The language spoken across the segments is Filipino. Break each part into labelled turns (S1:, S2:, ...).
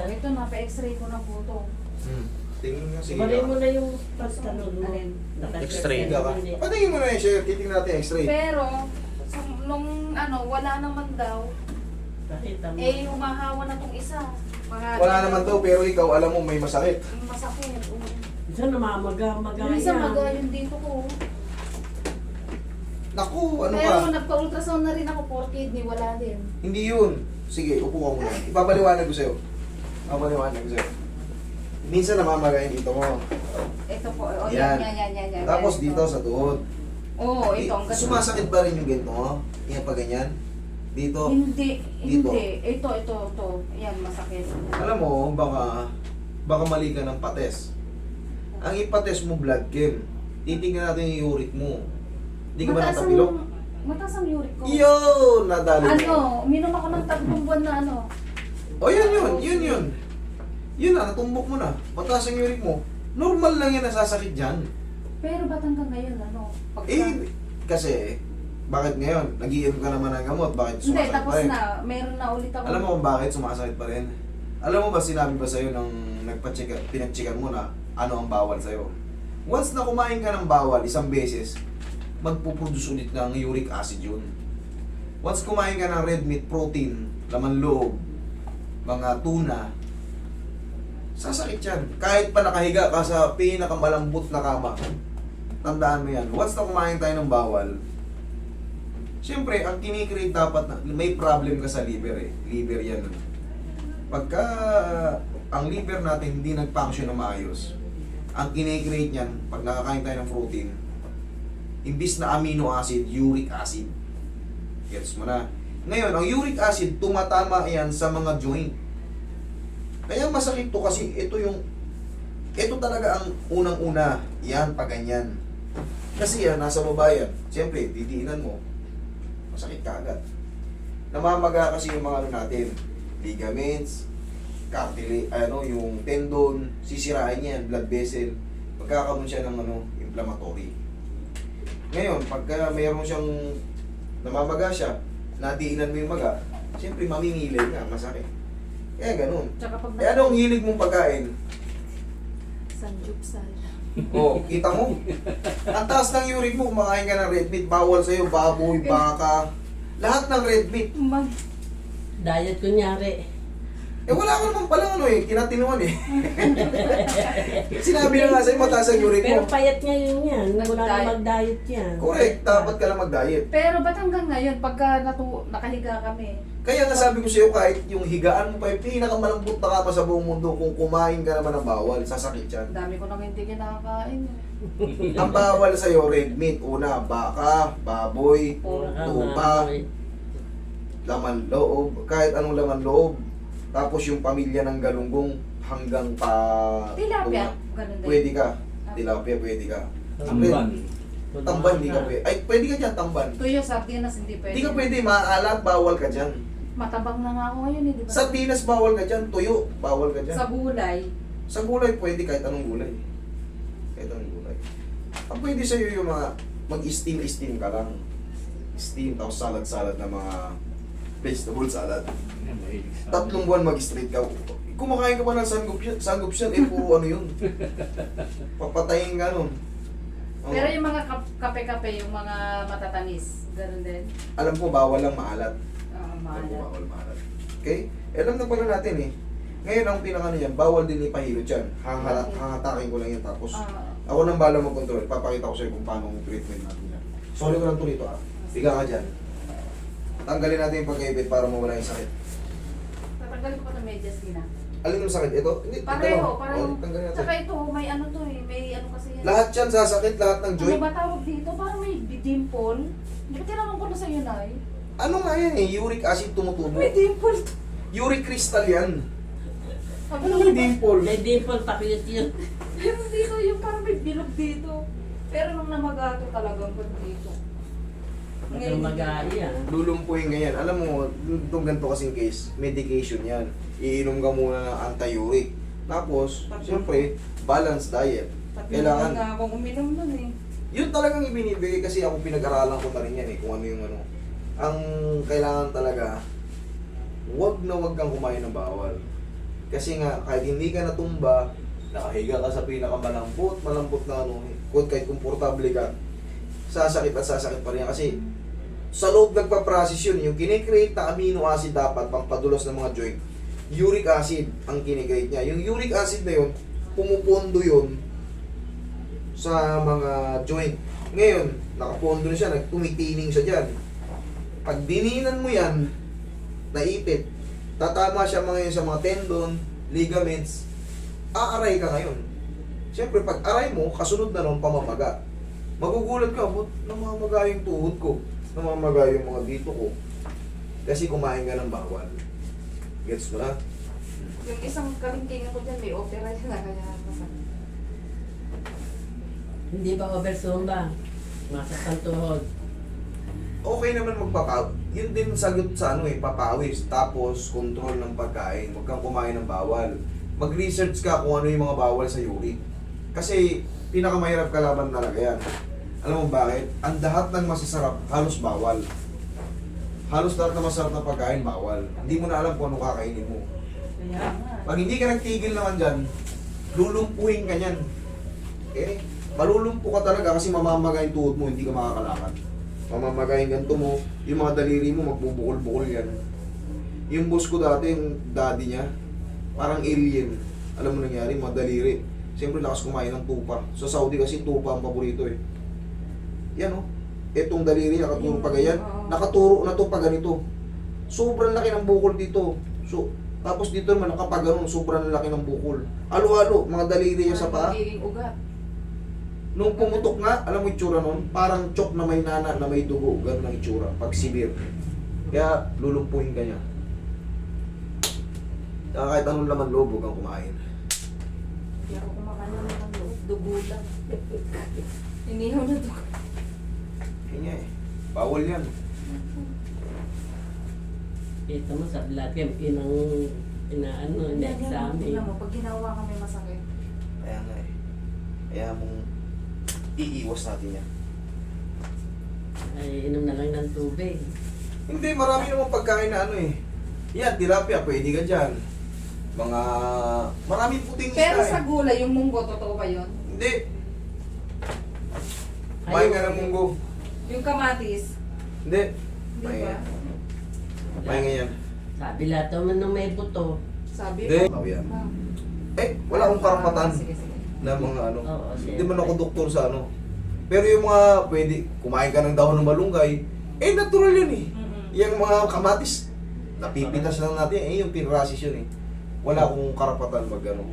S1: ito na, pa-x-ray ko na po ito.
S2: Tingin nga, sige.
S3: Balik mo na yung pagtanong mo.
S1: Alin?
S4: X-ray
S2: Ka. Patingin mo na yung share, titingnan natin yung x-ray.
S1: Pero, nung wala naman daw,
S3: Pakita mo.
S1: humahawa na tong isa.
S2: Wala naman daw, pero ikaw alam mo may masakit.
S1: Masakit.
S3: Minsan namamaga-maga
S1: Minsan
S3: yan.
S1: magayon dito ko.
S2: Naku, ano
S1: Pero
S2: ka?
S1: nagpa-ultrasound na rin ako for kidney, wala din.
S2: Hindi yun. Sige, upo ka muna. Ipapaliwanag ko sa'yo. Ipapaliwanag ko sa'yo. Minsan namamagayin dito mo.
S1: Ito po,
S2: Yan.
S1: yan.
S2: Tapos dito sa tuhod.
S1: Oo, ito ang ganun.
S2: Sumasakit ba rin yung ganito mo? Yan pa ganyan? Dito?
S1: Hindi,
S2: Dito.
S1: hindi. Ito. Yan, masakit.
S2: Alam mo, baka mali ka ng pates. Ang ipates mo blood chem. Titingnan natin yung uric mo. Hindi ka ba natapilok?
S1: Mataas ang uric ko.
S2: Yun! Nadali
S1: Minom ako ng 3 buwan na ano.
S2: O yun. Yun na, natumbok mo na. Mataas ang uric mo. Normal lang yan nasasakit dyan.
S1: Pero ba't hanggang ngayon,
S2: Kasi, bakit ngayon? Nag-iinom ka naman ng gamot, bakit
S1: Hindi,
S2: sumasakit
S1: tapos
S2: pa rin?
S1: na. Meron na ulit ako.
S2: Alam mo kung bakit sumasakit pa rin? Alam mo ba, sinabi ba sa'yo nung pinag-checkan mo na ano ang bawal sa'yo? Once na kumain ka ng bawal, isang beses, magpuproduce ulit ng uric acid yun. Once kumain ka ng red meat, protein, laman loob, mga tuna, sasakit yan. Kahit pa nakahiga ka sa pinakamalambot na kama, tandaan mo yan. Once na kumain tayo ng bawal, siyempre, ang kinikreate dapat na, may problem ka sa liver eh. Liver yan. Pagka ang liver natin hindi nag-function na maayos, ang kinikreate niyan, pag nakakain tayo ng protein, imbis na amino acid, uric acid. Gets mo na? Ngayon, ang uric acid, tumatama yan sa mga joint. Kaya masakit to kasi ito talaga ang unang-una. Yan, pag ganyan. Kasi yan, nasa baba yan. Siyempre, didiinan mo. Masakit ka agad. Namamaga kasi yung mga ano natin. Ligaments, yung tendon, sisirain yan, blood vessel. Magkakaroon siya ng inflammatory. Ngayon, pagka mayroon siyang namamaga siya, nadiinan mo yung maga, siyempre mamimilay nga, masakit. Kaya ganun.
S1: Tsaka pag
S2: Eh anong hilig mong pagkain?
S1: Sanjupsal.
S2: Oh, kita mo? Ang taas ng uric mo, kumakain ka ng red meat, bawal sa'yo, baboy, baka, lahat ng red meat.
S3: Diet kunyari.
S2: Eh wala ka naman palang tinatinuan eh. Sinabi na nga sa'yo, mataas ang uric
S3: Pero
S2: mo.
S3: payat ngayon yan. Wala na
S1: Nag-diet.
S3: mag-diet yan.
S2: Correct, dapat ka lang mag-diet.
S1: Pero ba't hanggang ngayon, pagka nakahiga kami,
S2: Kaya nasabi ko sa'yo, kahit yung higaan mo pa yung pinakamalambot na kama sa buong mundo, kung kumain ka naman ng bawal, sasakit yan.
S1: dami ko nang hindi kinakain.
S2: Ang bawal sa'yo, red meat, una, baka, baboy, tupa, laman loob, kahit anong laman loob. Tapos yung pamilya ng galunggong hanggang pa...
S1: Tilapia, ganun din.
S2: Pwede ka. Tilapia, pwede ka.
S4: Tamban.
S2: Tamban, di ka pwede. Ay, pwede ka dyan, tamban.
S1: Tuyo, sardinas, hindi pwede.
S2: Di ka pwede, maalat, bawal ka dyan.
S1: Matabang na nga ako ngayon, di ba?
S2: Sardinas, bawal ka dyan. Tuyo, bawal ka dyan.
S1: Sa gulay.
S2: Sa gulay, pwede kahit anong gulay. Kahit anong gulay. Ang pwede sa'yo yung mga mag-steam ka lang. Steam, tapos salad-salad na mga vegetable salad. 3 buwan mag-straight ka. Kumakain ka pa ng sanggupsyan, puro ano yun. Papatayin ka nun. Oh.
S1: Pero yung mga kape-kape, yung mga matatamis, ganun din.
S2: Alam ko, bawal lang maalat.
S1: Mahal.
S2: Alam ko, bawal maalat. Okay? Alam na pala natin eh. Ngayon, ang pinaka yan, bawal din ipahilot yan. Hahatakin ko lang yan tapos. Ako nang bala mag-control. Papakita ko sa'yo kung paano ang treatment natin yan. Sorry ko lang to rito ah. Biga ka dyan. Tanggalin natin yung pagkaibit para mawala yung sakit.
S1: Tatanggalin ko pa ng medyas, Gina.
S2: Alin yung sakit? Ito? Hindi,
S1: Pareho,
S2: ito.
S1: pareho.
S2: Oh, tanggalin natin.
S1: Tsaka ito, may ano to eh, may ano kasi yan.
S2: Lahat yan sasakit, lahat ng
S1: Ano
S2: joint.
S1: ba tawag dito? Parang may dimple. Hindi ba tinanong ko na sa'yo, Nay?
S2: Ano nga yan eh? Uric acid tumutubo.
S1: May dimple to.
S2: Uric crystal yan.
S1: Sabi
S2: Ano
S1: ko,
S2: yung dimple?
S3: May dimple pakit yun.
S1: Meron dito yung parang may bilog dito. Pero nung namagato talagang pag dito.
S3: Mag-ay yan.
S2: Lulumpuin ganyan. Alam mo, itong ganito kasing case, medication yan. Iinom ka muna ng anti-uric. Tapos, siyempre, balanced diet.
S1: Kailangan
S2: Kailangan,
S1: nga akong uminom nun eh.
S2: yun talagang ibinibigay kasi ako pinag-aralan ko na rin yan eh, kung ano yung ano. Ang kailangan talaga, wag na wag kang kumain ng bawal. Kasi nga, kahit hindi ka natumba, nakahiga ka sa pinakamalambot, malambot na ano, kahit komportable ka, sasakit at sasakit pa rin yan. Kasi sa loob nagpa-process yun, yung kinikreate na amino acid dapat pang padulas ng mga joint, uric acid ang kinikreate niya. Yung uric acid na yun, pumupondo yun sa mga joint. Ngayon, nakapondo na siya, tumitining siya dyan. Pag dininan mo yan, naipit, tatama siya mga yun sa mga tendon, ligaments, aaray ka ngayon. Siyempre, pag aray mo, kasunod na nun, pamamaga. Magugulat ka, ba't namamaga yung tuhod ko? Namamaga yung mga dito ko. Kasi kumain ka ng bawal. Gets mo na?
S1: Yung isang kalingking ako dyan, may opera na kaya masakit.
S3: Hindi ba oversumba? Masaktan tuhod.
S2: Okay naman magpapawis. Yun din sagot sa ano papawis. Tapos, control ng pagkain. Huwag kang kumain ng bawal. Mag-research ka kung ano yung mga bawal sa uric. Kasi, pinakamahirap kalaban talaga yan. Alam mo bakit? Ang lahat ng masasarap, halos bawal. Halos lahat ng masarap na pagkain, bawal. Hindi mo na alam kung ano kakainin mo.
S1: Kaya nga.
S2: Pag hindi ka nagtigil naman dyan, lulumpuhin ka niyan. Okay? Malulumpo ka talaga kasi mamamaga yung tuhod mo, hindi ka makakalakad. Mamamaga yung ganito mo, yung mga daliri mo, magbubukol-bukol yan. Yung boss ko dati, yung daddy niya, parang alien. Alam mo nangyari, mga daliri. Siyempre lakas kumain ng tupa. Sa Saudi kasi tupa ang paborito eh. Yan oh. Etong daliri, nakaturo pa ganyan. Nakaturo na to pa ganito. Sobrang laki ng bukol dito. So, tapos dito naman nakapaganon, sobrang laki ng bukol. Alo-alo, mga daliri niya sa paa.
S1: Magiging ugat.
S2: Nung pumutok nga, alam mo yung itsura nun? Parang chok na may nana, na may dugo. Ganun ang itsura, pag severe. Kaya, lulumpuhin ka niya. Kaya kahit anong laman loob, huwag kang kumain.
S1: Hindi ako kumakain naman ng loob. Dugo lang. Inihaw na dugo.
S2: Kanya eh. Bawal yan.
S3: Ito mo sa lahat yung inaano, na-examine.
S1: Tingnan mo, pag ginawa kami masakit.
S2: Kaya nga eh. Kaya mong iiwas natin yan.
S3: Ay, inom na lang ng tubig.
S2: Hindi, marami namang pagkain na ano eh. Yan, tilapia, pwede ka dyan. Mga, maraming puting
S1: Pero
S2: isda
S1: sa
S2: eh.
S1: gulay, yung munggo, totoo ba yun?
S2: Hindi. Kumain ka ng munggo.
S1: Yung kamatis,
S2: Hindi.
S1: di
S2: Kumain
S1: ba?
S2: yan. Kumain nga yan.
S3: Sabi lahat naman nung may buto.
S1: Sabi
S2: Hindi.
S1: ko.
S2: Oh, yan.
S1: Ah.
S2: Wala akong karapatan
S1: Sige, sige.
S2: na mga ano.
S3: Oo,
S2: Hindi man ako doktor sa ano. Pero yung mga pwede, kumain ka ng dahon ng malunggay, natural yun eh.
S1: Mm-mm.
S2: Yung mga kamatis, napipitas lang natin, yung pinrasis yun eh. Wala akong karapatan mag ano.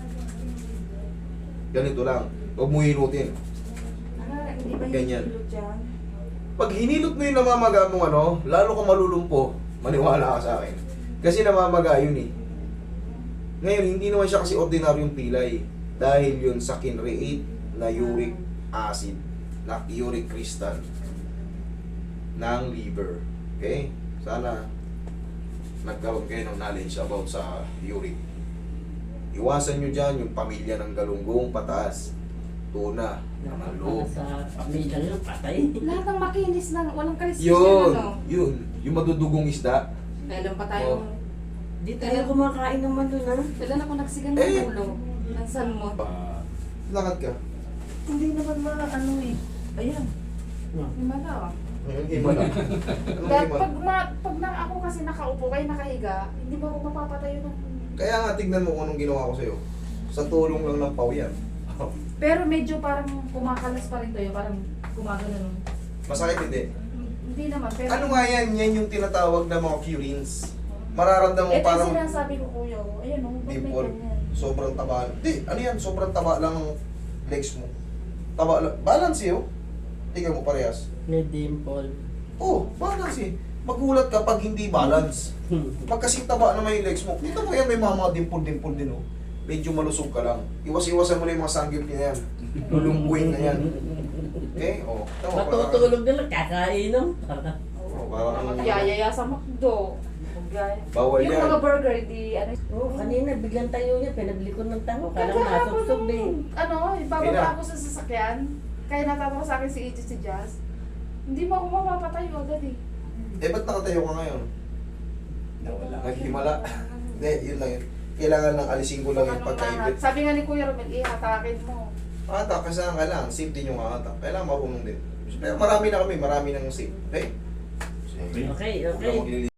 S2: Ganito lang, huwag mo hinutin.
S1: Hindi ba yung
S2: Ganyan.
S1: hilot dyan?
S2: Pag hinilot mo yung namamaga mong ano, lalo ka malulumpo, maniwala ka sa akin. Kasi namamaga yun eh. Ngayon, hindi naman siya kasi ordinaryong pilay. Dahil yun sa kinreate na uric acid, na uric crystal ng liver. Okay? Sana nagkaroon kayo ng knowledge about sa uric. Iwasan nyo dyan yung pamilya ng galunggong pataas, tuna,
S3: Para
S2: loob.
S3: sa pamilya yun, patay.
S1: Lahat ng makinis lang, walang kaliskis
S2: Yun,
S1: ano.
S2: yun. Yung madudugong isda.
S1: Kailan pa tayong...
S3: Di tayo kumakain naman doon ha.
S1: Kailan ako nagsigang
S2: Eh.
S1: ng ulo? Nansan mo?
S2: Lakad ka.
S1: Hindi naman ano eh. Ayan. Himala ah.
S2: Iba lang. Anong
S1: Dahil
S2: iba?
S1: pag na ako kasi nakaupo kayo nakahiga, hindi ba ako mapapatayo ng...
S2: Kaya nga tignan mo kung anong ginawa ko sa'yo. Sa tulong lang ng pawian.
S1: Pero medyo parang kumakalas pa rin tayo, parang gumagano nun.
S2: Masakit hindi.
S1: Hindi naman, pero...
S2: Ano nga yan? Yan yung tinatawag na mga curins. Mararamdaman mo
S1: Ito
S2: parang
S1: yung sinasabi ko kuya, ayan o, ba't may
S2: dimple.
S1: ganyan?
S2: Sobrang taba. Hindi, ano yan? Sobrang taba lang ng legs mo. Taba lang. Balance eh, oh. Tingnan mo parehas.
S3: May dimple.
S2: Oh, balance eh. Magulat ka pag hindi balance. Pag kasing taba naman yung legs mo, dito mo yan, may mga dimple-dimple din, oh. Medyo malusog ka lang. Iwas-iwasan mo na yung mga sanggip niya yan. Lulungguin na yan. Okay? Oh. Tama,
S3: Matutulog na lang, kakainom.
S2: Oh, parang...
S1: Yayaya sa McDo. Gaya.
S2: Bawal
S1: Yung
S2: yan.
S1: mga burger, di ano.
S3: Oo, kanina biglang tayo niya, pinaglikod ng tango. Kala ko
S1: Kagahapon
S3: masuksog eh.
S1: nung, ano, bababa
S2: Kaya.
S1: ako sa sasakyan. Kaya natatawa sa akin si Ichi si Jazz. Hindi mo ako mapapatayo agad eh.
S2: Eh, ba't nakatayo ka ngayon? Naghimala. Hindi, yun lang yun. kailangan ng alisin ko lang yung
S1: Anong
S2: pagkaibit.
S1: lahat? Sabi nga ni Kuya Romel, ihatakin mo.
S2: Hatak, kasama ka lang. Safe din yung hatak. Kailangan marunong din. Pero marami na kami, marami nang safe. Okay?
S3: Okay,
S2: Huwag
S3: okay.
S2: kang maglilinis.